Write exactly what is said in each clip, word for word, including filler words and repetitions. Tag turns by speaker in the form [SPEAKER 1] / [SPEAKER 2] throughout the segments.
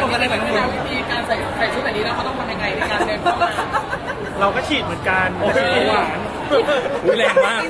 [SPEAKER 1] อะไรแบบนี้วิธีการใส่ใส่ชุดแบบนี้แล้วเขาต้องทำยังไงในการเดินเข้ามา
[SPEAKER 2] เราก็ฉีดเหมือนกันฉีดหวาน
[SPEAKER 3] แรงมาก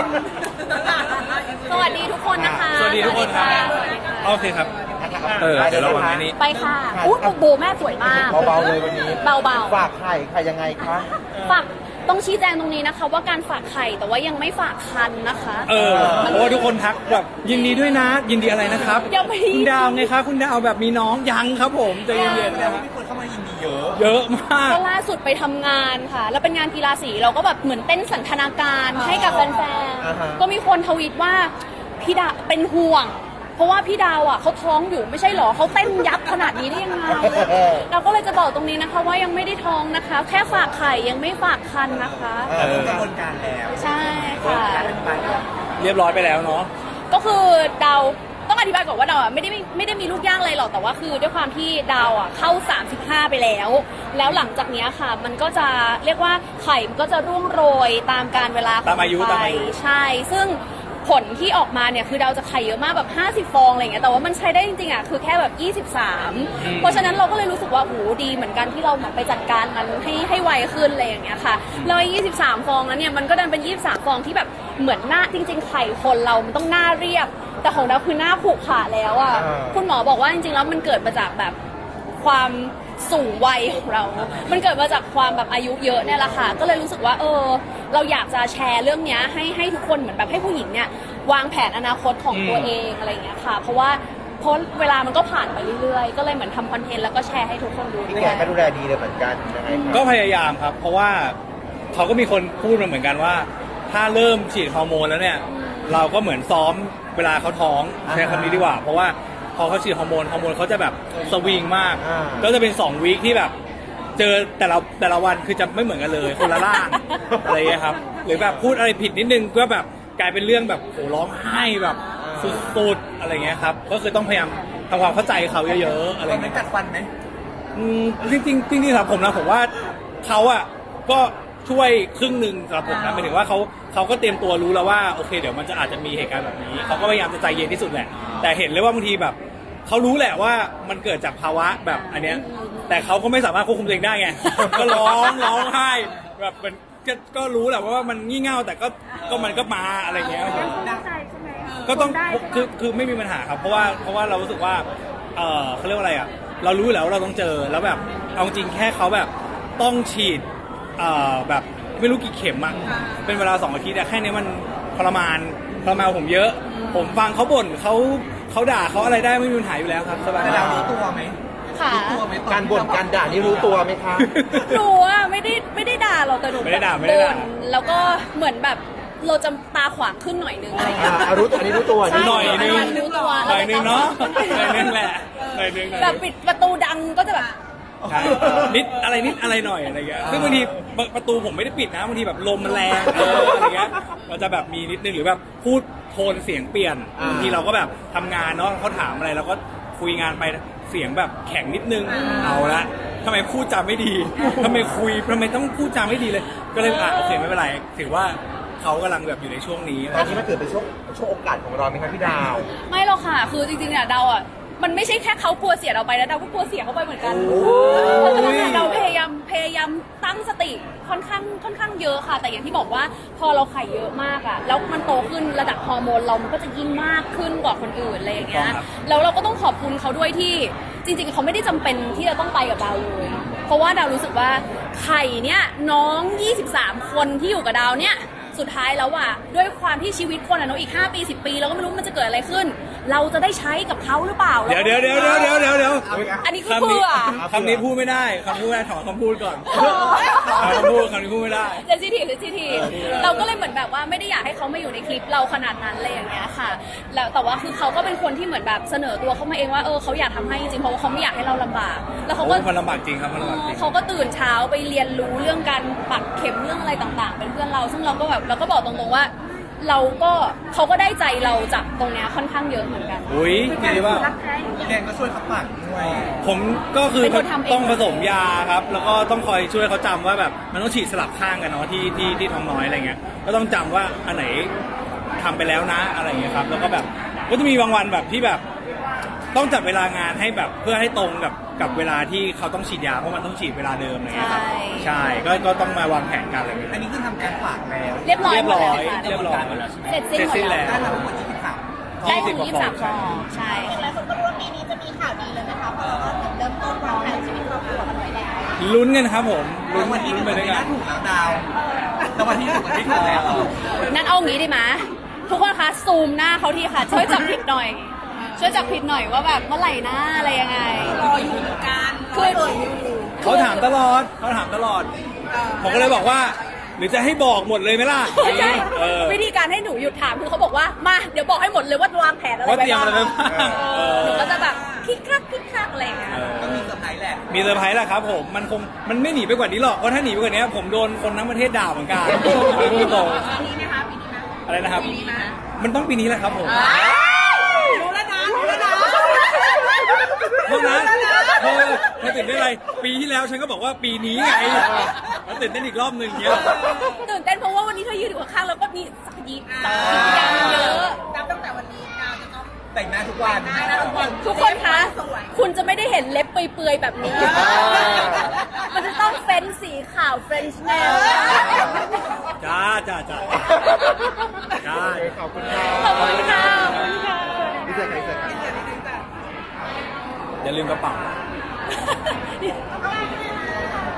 [SPEAKER 4] สวัสดีทุกคนนะคะ
[SPEAKER 3] สวัสดีทุกคนครับโอเคครับเออเดี๋ยวเราวางในนี้
[SPEAKER 4] ไปค่ะอู้โบแม่สวยมาก
[SPEAKER 5] เบาๆเลยวันนี้
[SPEAKER 4] เบาๆ
[SPEAKER 5] ฝากไข่ใครยังไงคะ
[SPEAKER 4] ฝากต้องชี้แจงตรงนี้นะคะว่าการฝากไข่แต่ว่ายังไม่ฝากคันนะคะ
[SPEAKER 3] เออเพราะว่าทุกคนทักแบบยินดีด้วยนะยินดีอะไรนะครับคุณดาวไงคะคุณดาวแบบมีน้องยังครับผมใจเย็นๆนะ
[SPEAKER 5] มีคนเข้ามายินดีเยอะ
[SPEAKER 3] เยอะมาก
[SPEAKER 4] ก็ล่าสุดไปทำงานค่ะแล้วเป็นงานกีฬาสีเราก็แบบเหมือนเต้นสันทนาการให้กับแฟนๆก็มีคนทวีตว่าพี่ดาเป็นห่วงเพราะว่าพี่ดาวอ่ะเขาท้องอยู่ไม่ใช่หรอเขาเต้นยับขนาดนี้ได้ยังไงเราก็เลยจะบอกตรงนี้นะคะว่ายังไม่ได้ท้องนะคะแค่ฝากไข่ยังไม่ฝากคันนะคะ
[SPEAKER 5] กระบวนการแล้ว
[SPEAKER 4] ใช่ค่ะ
[SPEAKER 3] เรียบร้อยไปแล้วเนาะ
[SPEAKER 4] ก็คือดาวต้องอธิบายก่อนว่าดาวอ่ะไม่ได้ไม่ได้มีลูกยากเลยหรอกแต่ว่าคือด้วยความที่ดาวอ่ะเข้าสามสิบห้าไปแล้วแล้วหลังจากนี้ค่ะมันก็จะเรียกว่าไข่มันก็จะร่วงโรยตามการเวลา
[SPEAKER 3] ตามอายุตามอายุ
[SPEAKER 4] ใช่ซึ่งผลที่ออกมาเนี่ยคือดาวจะไข่เยอะมากแบบห้าสิบฟองอะไรเงี้ยแต่ว่ามันใช้ได้จริงๆอ่ะคือแค่แบบยี่สิบสามเพราะฉะนั้นเราก็เลยรู้สึกว่าโหดีเหมือนกันที่เราเหมือนไปจัดการมันให้ให้ไวขึ้นอะไรอย่างเงี้ยค่ะแล้วยี่สิบสามฟองนั้นเนี่ยมันก็ดันเป็นยี่สิบสามฟองที่แบบเหมือนหน้าจริงๆไข่คนเรามันต้องหน้าเรียบแต่ของดาวคือหน้าผุขาแล้วอ่ะคุณหมอบอกว่าจริงๆแล้วมันเกิดมาจากแบบความสูงวัยของเรา มันเกิดมาจากความแบบอายุเยอะเนี่ยแหละค่ะ ก็เลยรู้สึกว่าเออเราอยากจะแชร์เรื่องนี้ให้ให้ทุกคนเหมือนแบบให้ผู้หญิงเนี่ยวางแผนอนาคตของตัวเองอะไรอย่างเงี้ยค่ะ เพราะว่าเพราะเวลามันก็ผ่านไปเรื่อยๆ ก็เลยเหมือนทำคอนเทนต์แล้วก็แชร์ให้ทุกคนดูด้วย
[SPEAKER 5] พี่แกก็ดูแลดีเลยเหมือนกันยังไง
[SPEAKER 3] ก็พยายามครับเพราะว่าเขาก็มีคนพูดมาเหมือนกันว่าถ้าเริ่มฉีดฮอร์โมนแล้วเนี่ยเราก็เหมือนซ้อมเวลาเขาท้องใช้คำนี้ดีกว่าเพราะว่าพอเขาฉีดฮอร์โมนฮอร์โมนเขาจะแบบสวิงมากก็จะเป็นสองวีคที่แบบเจอแต่ละแต่ละวันคือจะไม่เหมือนกันเลยคนละร่างอะไรอย่างเงี้ยครับหรือแบบพูดอะไรผิดนิดนึงก็แบบกลายเป็นเรื่องแบบโหร้องไห้แบบสุดๆอะไรเงี้ยครับก็คือต้องพยายามทำความเข้าใจเขาเยอะๆอะไรเงี้ย
[SPEAKER 5] กัดฟันไหม
[SPEAKER 3] อืมจริงๆจริงๆสำหรับผมนะผมว่าเขาอ่ะก็ช่วยครึ่งหนึ่งสำหรับผมนะหมายถึงว่าเขาเขาก็เตรียมตัวรู้แล้วว่าโอเคเดี๋ยวมันจะอาจจะมีเหตุการณ์แบบนี้เขาก็พยายามจะใจเย็นที่สุดแหละแต่เห็นเลยว่าบางทีแบบเขารู้แหละว่ามันเกิดจากภาวะแบบอันเนี้ยแต่เขาก็ไม่สามารถควบคุมตัวเองได้ไงก็ร้องร้องไห้แบบมันก็ก็รู้แหละว่ามันงี่เง่าแต่ก็ก็มันก็มาอะไรเงี้ยก็ต้องคือคือไม่มีปัญหาครับเพราะว่าเพราะว่าเรารู้สึกว่าเออเขาเรียกว่าอะไรอ่ะเรารู้แล้วเราต้องเจอแล้วแบบเอาจริงแค่เขาแบบต้องฉีดเอ่อแบบไม่รู้กี่เข็มอ่ะเป็นเวลาสองอาทิตย์แต่แค่นี้มันทรมานทรมานผมเยอะผมฟังเขาบ่นเขาเขาด่าเขาอะไรได้ไม่มีปัญหาอยู่แล้วครับสบาย
[SPEAKER 5] แล้วรู้ตัวไหม
[SPEAKER 4] ค่ะ
[SPEAKER 5] การบ่นการด่านี่รู้ตัวไหมคะ
[SPEAKER 4] หนูอ่ะไม่ได้ไม่ได้ด่าเราแต่หนู
[SPEAKER 3] ไม่ได้ด่าไม่ได้ด่า
[SPEAKER 4] แล้วก็เหมือนแบบเราจะตาขวางขึ้นหน่อยนึงอะไรอย่างเงี้ย
[SPEAKER 5] รู้ตัวนี้รู้ตัว
[SPEAKER 3] หน่อยนึง
[SPEAKER 4] รู้ตัว
[SPEAKER 3] หน่อยนึงเนาะหน่อยนึงแหละหน่อยนึง
[SPEAKER 4] แบบปิดประตูดังก็จะแบบ
[SPEAKER 3] นิดอะไรนิดอะไรหน่อยอะไรเงี้ยซึ่งบางทีประตูผมไม่ได้ปิดนะบางทีแบบลมมันแรงอะไรเงี้ยมันจะแบบมีนิดนึงหรือแบบพูดโทนเสียงเปลี่ยนบางทีเราก็แบบทำงานเนาะเขาถามอะไรเราก็คุยงานไปเสียงแบบแข็งนิดนึงเอาละทำไมพูดจาไม่ดีทำไมคุยทำไมต้องพูดจาไม่ดีเลยก็เลยอ่ะโอเคไม่เป็นไรถือว่าเขากำลังแบบอยู่ในช่วงนี้
[SPEAKER 5] ตอนนี้มันเกิดเป็นช่วงช่วงโอกาสของเราไหมครับพี่ดาว
[SPEAKER 4] ไม่หรอกค่ะคือจริงๆเนี่ยดาวอ่ะมันไม่ใช่แค่เขากลัวเสียเราไปนะดาวก็กลัวเสียเขาไปเหมือนกันเพราะฉะนั้นเราพยายามพยายามตั้งสติค่อนข้างค่อนข้างเยอะค่ะแต่อย่างที่บอกว่าพอเราไข่เยอะมากอ่ะแล้วมันโตขึ้นระดับฮอร์โมนเรามันก็จะยิ่งมากขึ้นกว่าคนอื่นอะไรอย่างเงี้ยแล้วเราก็ต้องขอบคุณเขาด้วยที่จริงๆเขาไม่ได้จำเป็นที่จะต้องไปกับดาวเลยเพราะว่าดาวรู้สึกว่าไข่เนี่ยน้องยี่สิบสามคนที่อยู่กับดาวเนี่ยสุดท้ายแล้วอ่ะด้วยความที่ชีวิตคนอ่ะเนาะอีกห้าปีสิบปีเราก็ไม่รู้มันจะเกิดอะไรขึ้นเราจะได้ใช้กับเขาหรือเปล่า
[SPEAKER 3] เดี๋ยวเดี๋ยวเดี๋ยวเดี๋ยวเดี๋ยวเดี๋ยวเดี๋ยว
[SPEAKER 4] อันนี้คือเพื่อ
[SPEAKER 3] คำนี้พูดไม่ได้คำพูดไม่ได้ถอนคำพูดก่อนคำพูดคำนี้พูดไม่ได้
[SPEAKER 4] เซนซิทีฟเซนซิทีฟเราก็เลยเหมือนแบบว่าไม่ได้อยากให้เขามาอยู่ในคลิปเราขนาดนั้นเลยอย่างเงี้ยค่ะแล้วแต่ว่าคือเขาก็เป็นคนที่เหมือนแบบเสนอตัวเข้ามาเองว่าเออเขาอยากทำให้จริงเพราะว่าเขาไม่อยากให้เราลำบากแล้วเขาก็
[SPEAKER 3] มันลำบากจริงครับมันลำบากจริง
[SPEAKER 4] เขาก็ตื่นเช้าไปเรียนรู้เรื่องการปักเข็มเรื่องอะไรต่างๆเป็นเพื่อนเราซึ่งเราก็แบบเราก็บอกตรงๆว่าเราก็เขาก็ได้ใจเราจากตรงนี้ค่อนข้างเยอะเหมือนกัน
[SPEAKER 3] อุ้ยจริงป่ะ
[SPEAKER 5] แดงก็ช่วยเขาปักด้วย
[SPEAKER 3] ผมก็คือต้องผสมยาครับแล้วก็ต้องคอยช่วยเขาจำว่าแบบมันต้องฉีดสลับข้างกันเนาะที่ที่ที่ท้องน้อยอะไรเงี้ยก็ต้องจำว่าอันไหนทำไปแล้วนะอะไรเงี้ยครับแล้วก็แบบก็จะมีบางวันแบบที่แบบต้องจัดเวลางานให้แบบเพื่อให้ตรงกับกับเวลาที่เขาต้องฉีดยาเพราะมันต้องฉีดเวลาเดิมอะไรเงี้ยครับ
[SPEAKER 4] ใช่
[SPEAKER 3] ใช่ก็ก็ต้องมาวางแผนกันอะไรเงี้ย
[SPEAKER 5] อันนี้คือทำการฝากแล้ว
[SPEAKER 4] เรียบร้อย
[SPEAKER 3] เรียบ
[SPEAKER 4] หมด
[SPEAKER 3] ร้อ
[SPEAKER 4] แล้ว
[SPEAKER 3] ย
[SPEAKER 4] ค่ะ
[SPEAKER 3] เรียบร้อยหมดแล้ว
[SPEAKER 4] เสร็จสิ้นหมด
[SPEAKER 3] เสร็จสิ้นแล้
[SPEAKER 4] แล้ว ว
[SPEAKER 5] ได้มาทั้งหมดยี่สิบสาม
[SPEAKER 4] ได้ถึง
[SPEAKER 3] ยี่
[SPEAKER 4] ยี่
[SPEAKER 3] สิ
[SPEAKER 4] สิ
[SPEAKER 3] บบ ก
[SPEAKER 4] สา
[SPEAKER 3] ว่
[SPEAKER 4] ม
[SPEAKER 3] ฟ
[SPEAKER 4] ฟ
[SPEAKER 3] อ
[SPEAKER 4] อง งใช่
[SPEAKER 6] หลายคนก็รู้ว่าปีนี้จะมีข่าวดีเลยไหมคะเพราะเราก็เหมือนเริ่มต้นวางแผนชีวิตครอบครัวกันไว้แล้ว
[SPEAKER 3] ลุ้นกันครับผมลุ้น
[SPEAKER 5] วันที่
[SPEAKER 3] ลุ้น
[SPEAKER 5] ถูก
[SPEAKER 3] ไป
[SPEAKER 5] วัน
[SPEAKER 3] ด้วย
[SPEAKER 5] ที่
[SPEAKER 3] กัน
[SPEAKER 5] ถูกแล้วดาวแต่วันที่ถูกวันที่ถูกแล้ว
[SPEAKER 4] นั่นเอางี้ดีไหมทุกคนคะซูมหน้าเขาทีค่ะ ช่วยจับผิดหน่อย ช่วยจับผิดหน่อยว่าแบบเมื่อไหร่หน้าอะไรยังไง
[SPEAKER 1] รออยู่เหมือนกัน
[SPEAKER 4] คือ
[SPEAKER 3] เขาถามตลอดเขาถามตลอด ผมก็เลยบอกว่า หรือจะให้บอกหมดเลยไหมล่ะ
[SPEAKER 4] ใช่
[SPEAKER 3] เออ
[SPEAKER 4] วิธีการให้หนูหยุดถามคือเขาบอกว่ามาเดี๋ยวบอกให้หมดเลยว่าวางแผนอะไร
[SPEAKER 3] ว่า
[SPEAKER 4] ไว้
[SPEAKER 3] เตรียม
[SPEAKER 4] บ้าง
[SPEAKER 3] อะไรไว้บ้าง
[SPEAKER 4] เออหนูก็จะแบบคิกคักคิกคักอะไรอย่างเงี้ย
[SPEAKER 3] เออ
[SPEAKER 5] ก็มีเซอร์ไพรส์แหละ
[SPEAKER 3] มีเซอร์ไพรส์แหละครับผม มันคง มันไม่หนีไปกว่านี้หรอก เพราะถ้าหนีไปกว่านี้ผมโดนคนทั้งประเทศด่าเหมือนกันพูดตรง
[SPEAKER 1] ปีนี้ไหมคะปีนี้ไหม
[SPEAKER 3] อะไรนะครับ
[SPEAKER 1] ปีนี้ไหม
[SPEAKER 3] มันต้องปีนี้แหละครับผม
[SPEAKER 1] รู้แล้วนะรู้แล้วนะ
[SPEAKER 3] เพราะนั้นเธอเธอตื่นได้นอะไร ปีที่แล้วฉันก็บอกว่าปีนี้ไงแล้วตื่นเต้นอีกรอบหนึ่งเงี้ย
[SPEAKER 4] ตื่นเต้นเพราะว่าวันนี้เธอยืนอยู่ข้างๆแล้วก็มีสักยีสักยีอย่างเยอะ
[SPEAKER 1] นับตั้งแต่วันนี้ดาวจะต้อง
[SPEAKER 5] แต่งหน้าทุกวัน
[SPEAKER 1] ได้นะทุกคน
[SPEAKER 4] ทุกคนคะ คุณจะไม่ได้เห็นเล็บเปื่อยๆแบบนี้ มันจะต้องเฟ้นสีขาวเฟรนช์แนล
[SPEAKER 3] จ้าจ้าจ้าจ้า
[SPEAKER 5] ขอบคุณค่ะ
[SPEAKER 4] ขอบคุณค่ะขอบคุณค่ะ
[SPEAKER 5] พี่เจอใครเจอกัน
[SPEAKER 3] อย่าลืมกระเป๋า